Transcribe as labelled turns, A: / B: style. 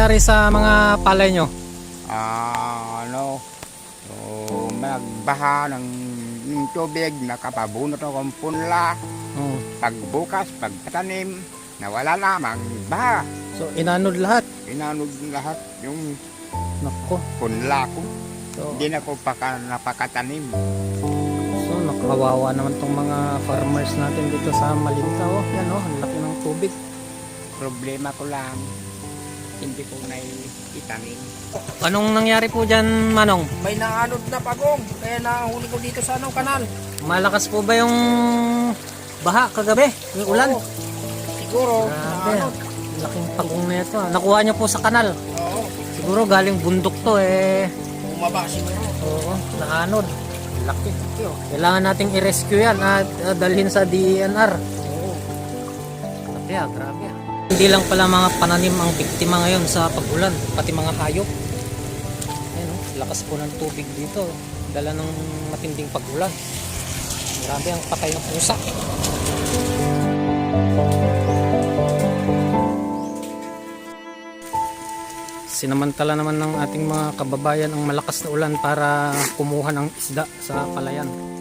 A: nangyari sa mga palay nyo?
B: Nagbaha ng tubig, nakapabunot akong punla. Pagbukas, pagtanim, nawala lamang baha.
A: So inanod lahat?
B: Inanod lahat yung
A: Nako.
B: punla ko.
A: So,
B: Hindi na ko napakatanim.
A: so nakawawa naman tong mga farmers natin dito sa Malinta. Oh, yan oh, ang laki ng tubig.
B: Problema ko lang, hindi ko na itanim.
A: Anong nangyari po dyan, Manong?
C: May naanod na pagong, kaya nahuli ko dito sa kanal.
A: Malakas po ba yung baha kagabi? Yung ulan?
C: Oo. Siguro,
A: Grabe,
C: naanod.
A: laking pagong na ito. Nakuha nyo po sa kanal.
C: Oo,
A: Siguro galing bundok to eh.
C: bumaba siguro.
A: Oo, naanod. Laki. Kailangan nating i-rescue yan at dalhin sa DENR.
C: Oo.
A: Grabe ah, grabe ah. Hindi lang pala mga pananim ang biktima ngayon sa pag-ulan, pati mga hayop. Ayan oh, lakas po ng tubig dito. Dala ng matinding pag-ulan. Grabe ang patay ng pusa. Sinamantala naman ng ating mga kababayan ang malakas na ulan para kumuha ng isda sa palayan.